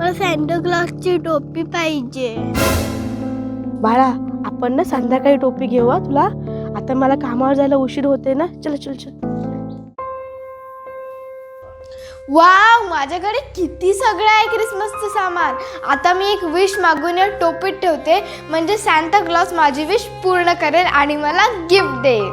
मला सॅन्टा क्लॉसची टोपी पाहिजे. बाळा आपण ना संध्याकाळी टोपी घेऊ हा तुला. आता मला कामावर जायला उशीर होते ना. चल चल चल. वाव, माझ्याकडे किती सगळं आहे क्रिसमसचं सामान. आता मी एक विश मागून या टोपीत ठेवते, म्हणजे सॅन्टा क्लॉस माझी विश पूर्ण करेल आणि मला गिफ्ट देईल.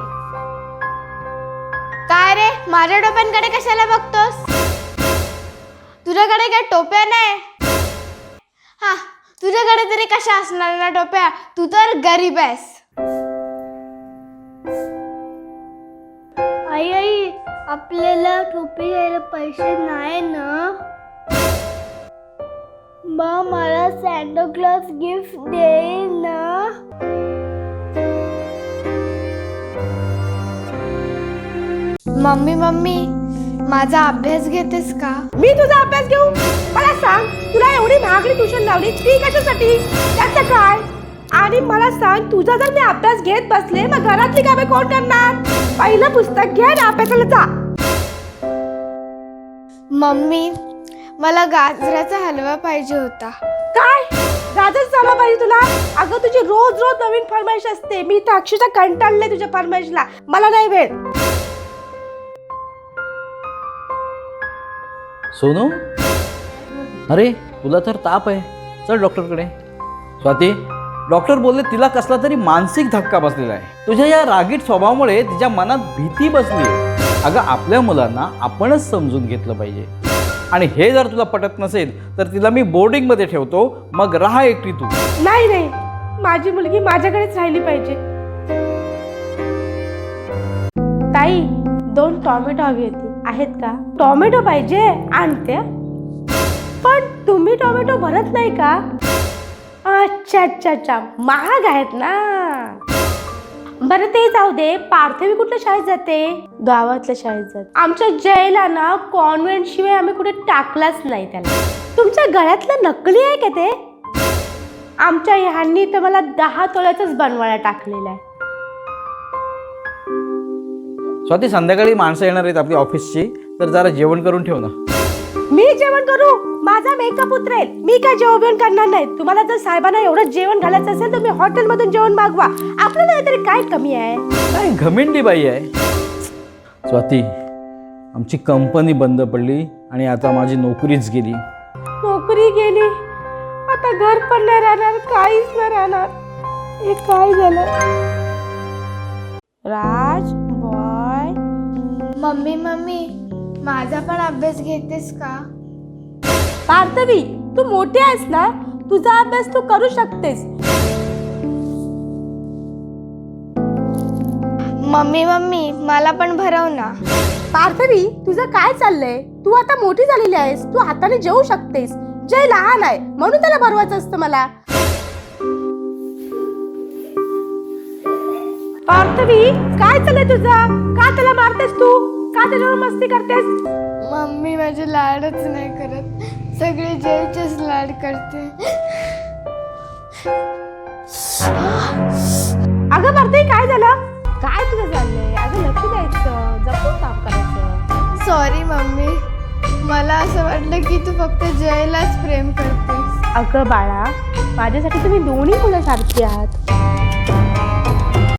काय रे, माझ्या टोप्यांकडे कशाला बघतोस? तुझ्याकडे काय टोप्या नाही? हा, तुझ्याकडे तरी कशा असणार ना टोप्या, तू तर गरीब आहेस. आई आई, आपल्याला टोपी घ्यायला पैसे नाही ना. मग मला सॅन्टा क्लॉस गिफ्ट देईल ना. मम्मी मम्मी, माझा अभ्यास घेतेस का? मी तुझा अभ्यास घेऊ? मला सांग, तुला एवढी महागडी ट्युशन लावली ती कशासाठी? त्याचं काय? आणि मला सांग, तुझा जर मी अभ्यास घेत बसले मग घरातली कामे कोण करणार? पहिलं पुस्तक घे आणि अभ्यासाला जा. मम्मी, मला गाजराचा हलवा पाहिजे होता. काय गाजर झाला पाहिजे तुला? अगं तुझी रोज रोज नवीन फरमाईश असते. मी तर अक्षरशः कंटाळले तुझ्या फरमाईशला. मला नाही वेळ. सोनू, अरे तुला तर ताप आहे, चल डॉक्टरकडे. स्वाती, डॉक्टर बोलले तिला कसला तरी मानसिक धक्का बसलेला आहे. तुझ्या या रागीट स्वभावामुळे तिच्या मनात भीती बसली आहे. अगं आपल्या मुलांना आपणच समजून घेतलं पाहिजे. आणि हे जर तुला पटत नसेल तर तिला मी बोर्डिंगमध्ये ठेवतो, मग राहा एकटी तू. नाही नाही, माझी मुलगी माझ्याकडेच राहिली पाहिजे. ताई, 2 टोमॅटो हवी होती, आहेत का? टोमॅटो पाहिजे, आणते. पण तुम्ही टोमॅटो भरत नाही का? अच्छा अच्छा अच्छा, महाग आहेत ना. बरं ते जाऊ दे. पार्थवी कुठल्या शाळेत जाते? गावातल्या शाळेत जाते. आमच्या जयला ना कॉन्व्हेंट शिवाय आम्ही कुठे टाकलाच नाही त्याला. तुमच्या गळ्यातलं नकली आहे का ते? आमच्या ह्यांनी तर मला 10 तोळ्याचंच बनवायला टाकलेलं आहे. स्वाती, संध्याकाळी माणसं येणार आहेत आपली ऑफिसची, तर जरा जेवण करून ठेव ना. मी जेवण करू? माझा मेकअप उतरेल. मी काय जेवण करणार नाही. तुम्हाला जर साहेबांना एवढं जेवण घालायचं असेल तर मी हॉटेलमधून जेवण मागवा. आपल्याला तरी काय कमी आहे? काय घमेंडी बाई आहे. स्वाती, आमची कंपनी बंद पडली आणि आता माझी नोकरीच गेली. नोकरी गेली, आता घर पण नाही राहणार, काहीच नाही राहणार. हे काय झालं? राज बॉय. मम्मी मम्मी, माझा पण अभ्यास घेतेस का? पार्थवी, तू मोठी आहेस ना, तुझा अभ्यास तू करू शकतेस. मम्मी मम्मी, मला पण भरव ना. पार्थवी, तुझं काय चाललंय? तू आता मोठी झालेली आहेस, तू हाताने जेवू शकतेस. जय लहान आहे म्हणून त्याला भरवायचं असतं मला. पार्थवी, काय चाललंय तुझं? का त्याला मारतेस तू? का त्याच्यावर मस्ती करतेस? मम्मी माझे लाडच नाही करत, सगळे जयचेच लाड करते. अगं पार्थवी, काय झालं? काय तुझं चाललंय? अगं लक्ष द्यायचं, जपून काम करायचं. सॉरी मम्मी, मला असं वाटलं की तू फक्त जयलाच प्रेम करतेस. अगं बाळा, माझ्यासाठी तुम्ही दोन्ही मुलं सारखी आहात.